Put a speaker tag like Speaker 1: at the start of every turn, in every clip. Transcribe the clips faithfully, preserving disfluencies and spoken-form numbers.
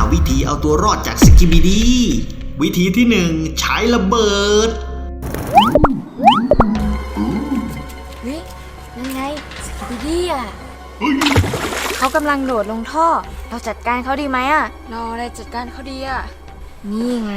Speaker 1: วิธีเอาตัวรอดจากสกิบิดีวิธีที่หนึ่งใช้ระเบิด
Speaker 2: เฮ้ยนั่นไงสกิบิดี้อ่ะเขากำลังโดดลงท่อเราจัดการเขาดีไหมอ่ะเราอะไรจัดการเขาดีอ่ะนี่ไง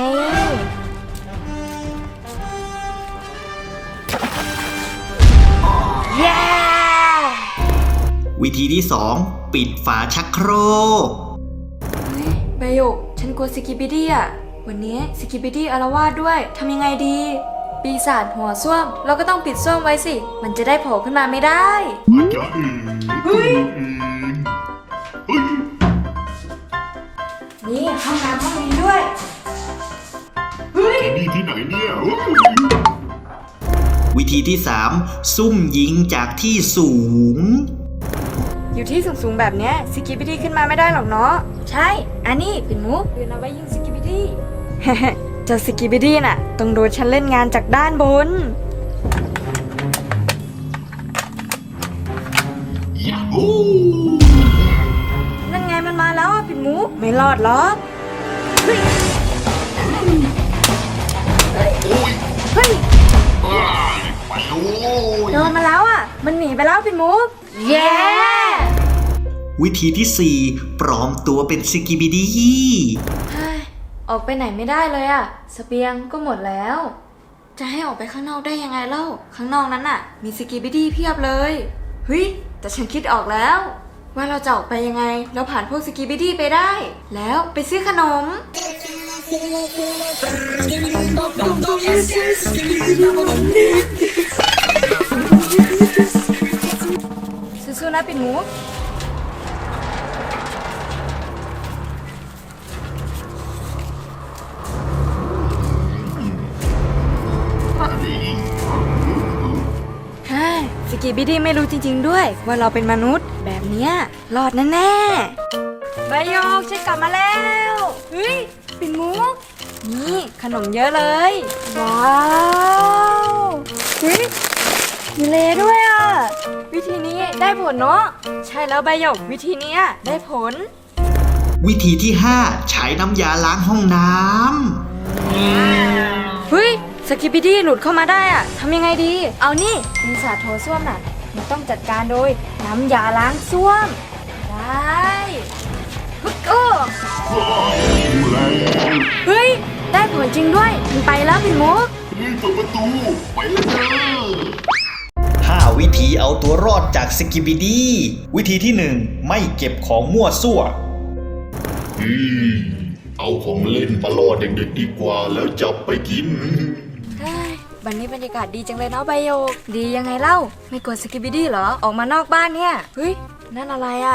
Speaker 2: เย้
Speaker 1: วิธีที่สองปิดฝาชักโครก
Speaker 2: เฮ้ยใบหยกฉันกลัวสกิบิดี้อ่ะวันนี้สกิบิดี้อาละวาดด้วยทำยังไงดีปีศาจหัวส้วมเราก็ต้องปิดส้วมไว้สิมันจะได้โผล่ขึ้นมาไม่ได้เฮ้ยนี่ห้องน้ำห้องนี้ด้วยเฮ้ย
Speaker 3: นี่ที่ไหนเนี่ย
Speaker 1: วิธีที่สามซุ่มยิงจากที่สูง
Speaker 2: อยู่ที่สูงๆแบบเนี้ยสกิบิดี้ขึ้นมาไม่ได้หรอกเนาะใช่อันนี้เป็นมุกยืนเอาไว้ยิงสกิบิดี้ เจ้าสกิบิดี้น่ะต้องโดนฉันเล่นงานจากด้านบน
Speaker 3: ยาฮู
Speaker 2: นั่นไงมันมาแล้วอ่ะปิ่นมุกไม่รอดหรอกเฮ้ย
Speaker 3: โอ้ย
Speaker 2: เฮ้ย
Speaker 3: ไปโอ้ย
Speaker 2: โดนมาแล้วอ่ะมันหนีไปแล้วปิ่นมุกเย้
Speaker 1: วิธีที่สี่ปลอมตัวเป็นสกิบิดี
Speaker 2: ออกไปไหนไม่ได้เลยอะเสบียงก็หมดแล้วจะให้ออกไปข้างนอกได้ยังไงเล่าข้างนอกนั้นน่ะมีสกิบิดี้เพียบเลยเฮ้ยแต่ฉันคิดออกแล้วว่าเราจะออกไปยังไงเราผ่านพวกสกิบิดี้ไปได้แล้วไปซื้อขนมสู้ๆนะปิ่นมุกสกิบิดี้ไม่รู้จริงๆด้วยว่าเราเป็นมนุษย์แบบเนี้ยรอดแน่ๆใบโยกฉันกลับมาแล้วเฮ้ยปิ่นมุกนี่ขนมเยอะเลยว้าวเฮ้ยมีเลด้วยอ่ะวิธีนี้ได้ผลเนาะใช่แล้วใบโยกวิธีนี้ได้ผล
Speaker 1: วิธีที่ห้าใช้น้ำยาล้างห้องน้
Speaker 2: ำเฮ้ยสกิบิดี้หลุดเข้ามาได้อะทำยังไงดีเอานี่ปีศาจโถส้วมน่ะมันต้องจัดการโดยน้ำยาล้างส้วมได้ฮึกโอ้เฮ้ยได้ผลจริงด้วยมันไปแล้วปิ่นมุก
Speaker 3: เปิดประตูไปเลยเด้อ
Speaker 1: ห้าวิธีเอาตัวรอดจากสกิบิดีวิธีที่หนึ่งไม่เก็บของมั่วซั่ว
Speaker 3: อืมเอาของเล่นมาล่อเด็กๆดีกว่าแล้วจับไปกิน
Speaker 2: วันนี้บรรยากาศดีจังเลยเนาะใบโยกดียังไงเล่าไม่กลัวสกิบิดี้เหรอออกมานอกบ้านเนี่ยเฮ้ยนั่นอะไรอ่ะ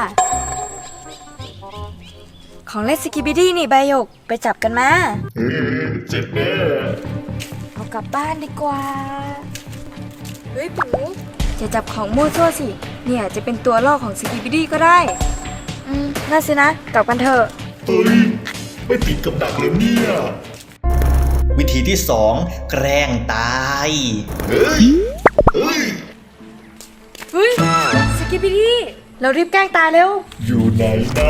Speaker 2: ของเล่นสกิบิดี้นี่ใบโยกไปจับกันมา
Speaker 3: เจ็บแน่
Speaker 2: เอากลับบ้านดีกว่าเฮ้ยปิ่นมุกจะจับของมั่วซั่วสิเนี่ยจะเป็นตัวล่อของสกิบิดี้ก็ได้อืมน่าสินะกลับกันเถอะ
Speaker 3: เฮ้ยไม่ติดกับดักเลยเนี่ย
Speaker 1: วิธีที่สองแกล้งตาย
Speaker 3: เฮ้ยเฮ้ย
Speaker 2: เฮ้ยสกิบิดี้เรารีบแกล้งตายเร็ว
Speaker 3: อยู่ไหนนะ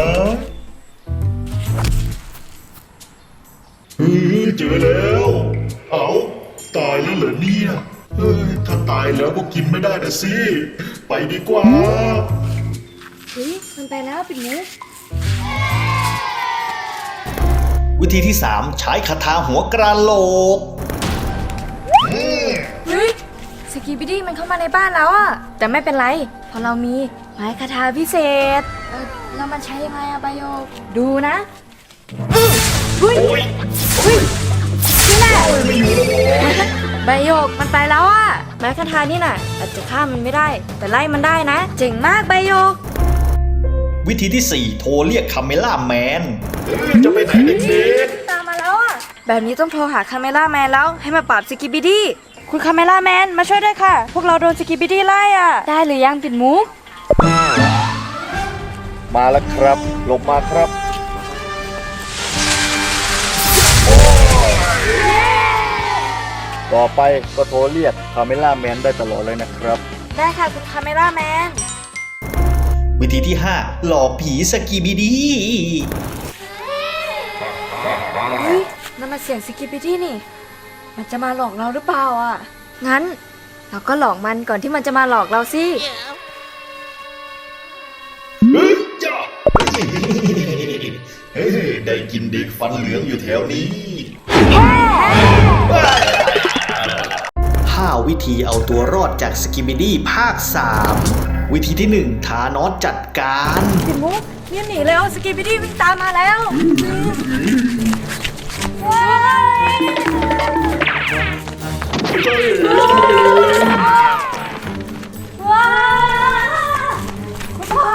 Speaker 3: เฮ้ยเจอแล้วเอาตายแล้วเหรอเนี่ยเฮ้ยถ้าตายแล้วก็กินไม่ได้นะสิไปดีกว่า
Speaker 2: เฮ้ยมันไปแล้วปิ่นมุก
Speaker 1: วิธีที่สามใช้คาถาหัวกระโหลก
Speaker 2: เฮ้ยสกิบิดี้มันเข้ามาในบ้านแล้วอะแต่ไม่เป็นไรเพราะเรามีไม้คาถาพิเศษเออแล้วมันใช้ยังไงอะใบโยกดูนะเฮ้ยเฮ้ยนี่แหละใบโยกมันไปแล้วอะไม้คาถานี่น่ะอาจจะฆ่ามันไม่ได้แต่ไล่มันได้นะเจ๋งมากใบโยก
Speaker 1: วิธีที่สี่โทรเรียกคาเมล่าแมน
Speaker 3: จะไปไหนเด็ก
Speaker 2: ๆตามมาแล้วอ่ะแบบนี้ต้องโทรหาคาเมล่าแมนแล้วให้มาปราบสกิบิดี้คุณคาเมล่าแมนมาช่วยด้วยค่ะพวกเราโดนสกิบิดี้ไล่อ่ะได้หรือยังปิ่นมุก
Speaker 3: มาแล้วครับลงมาครับต่อไปก็โทรเรียกคาเมล่าแมนได้ตลอดเลยนะครับ
Speaker 2: ได้ค่ะคุณคาเมล่าแมน
Speaker 1: วิธีที่ห้าหลอกผีสกิบิดี
Speaker 2: เฮ้ยนั่นมันเสียงสกิปปิตี้นี่ มันจะมาหลอกเราหรือเปล่าอ่ะ งั้น เราก็หลอกมันก่อนที่มันจะมาหลอกเราสิ
Speaker 3: เฮ้ยจ้าเฮ้ยได้กินเด็กฟันเหลืองอยู่แถวนี้
Speaker 1: ห้าวิธีเอาตัวรอดจากสกิบิดี้ภาคสามวิธีที่หนึ่งธานอสจัดการ
Speaker 2: ปิ่นมุกเนี่ยหนีแล้วสกิปปิตี้วิ่งตามมาแล้วว้ายว้ายคุณพ่อ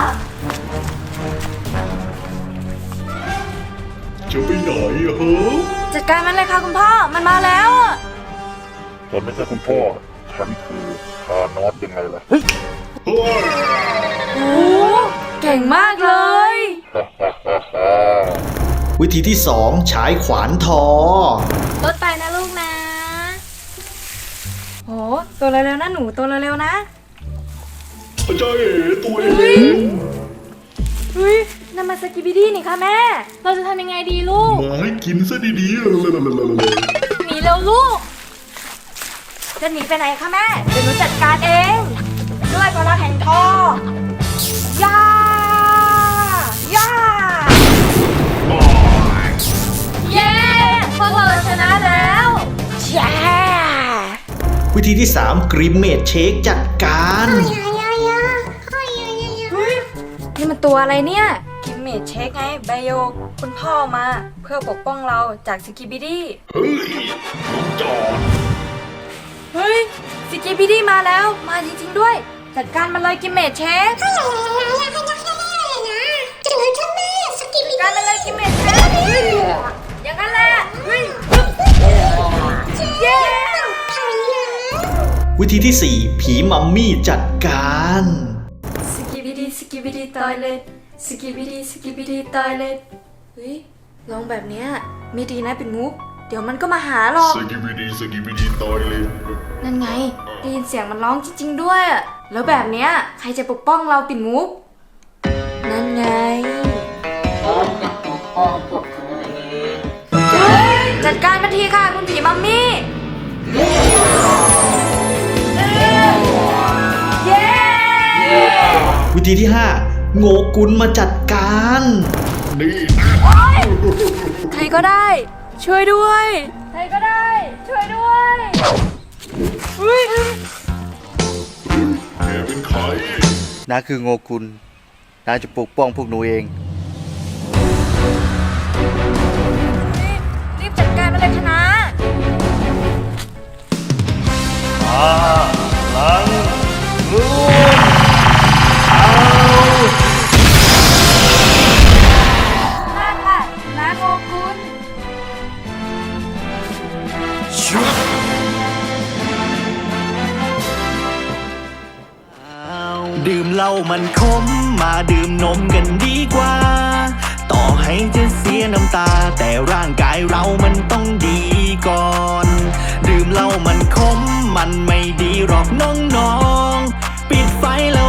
Speaker 3: จะไปไหนอะฮะ
Speaker 2: จัดการมันเลยค่ะคุณพ่อ มันมาแล้วอะ
Speaker 3: ฉันไม่ใช่คุณพ่อ ฉันคือธานอสยังไงล่ะ เฮ้ย
Speaker 2: โอ้เก่งมากเลย
Speaker 1: วิธีที่สองฉายขวานทอ
Speaker 2: รถไปนะลูกนะ โห ตัวเร็วๆนะหนู ตัวเร็วๆนะ
Speaker 3: ใจเอ๋ตัวเอ
Speaker 2: เฮ้ย
Speaker 3: ง
Speaker 2: เฮ้ยนั่นมันสกิบิดี้นี่ค่ะแม่ เราจะทำยังไงดีลูก
Speaker 3: มาให้กินซะดีๆเลย
Speaker 2: หนีเร็วลูก จะหนีไปไหนคะแม่ เดี๋ยวหนูจัดการเอง ด้วยพลังแห่งทอย่าย่าเย้พวกเราชนะแล้วแย่
Speaker 1: วิธีที่สามกริมเมดเชคจัดการ
Speaker 2: เฮ้ยนี่มันตัวอะไรเนี่ยกิมเมจเช็คไงไบโอคุณพ่อมาเพื่อปกป้องเราจากสกิบิดี้
Speaker 3: เฮ้ยจอด
Speaker 2: เฮ้ยสกิบิดี้มาแล้วมาจริงๆด้วย จัดการมันเลยกิมเมจเช็คจัดการมันเลยกิมเมจเช็คอย่างนั้นแหละเฮ้ยเย้
Speaker 1: วิธีที่สี่ผีมัมมี่จัดการ
Speaker 2: สกิบิดี้สกิบิดี้ตอยเลยสกิบิดี้สกิบิดี้ตอยเลยเฮ้ยลองแบบเนี้ยไม่ดีนะเป็นมุก เดี๋ยวมันก็มาหาหรอก
Speaker 3: สกิบิดีสกิบิดีตอยเลย
Speaker 2: นั่นไงได้ยินเสียงมันร้องจริงๆด้วยอะแล้วแบบเนี้ยใครจะปกป้องเราปิ่นมุก นั่นไงจัดการมันทีค่ะคุณผีมัมมี่เย้
Speaker 1: วิธีที่ห้าโงกุลมาจัดการ
Speaker 3: นี่
Speaker 2: ใครก็ได้ ช่วยด้วย ใครก็ได้ ช่วยด้วยเฮ้ย
Speaker 3: แกเป็นใคร
Speaker 4: น้าคือโงกุลน้าจะปกป้องพวกหนูเอง
Speaker 2: รีบจัดการมันเลยคณะ มาค่ะนาโงกุล
Speaker 5: ดื่มเหล้ามันขมมาดื่มนมกันดีกว่า ต่อให้จะเสียน้ำตา แต่ร่างกายเรามันต้องดีก่อน ดื่มเหล้ามันขมมันไม่ดีหรอกน้องๆ ปิดไฟแล้ว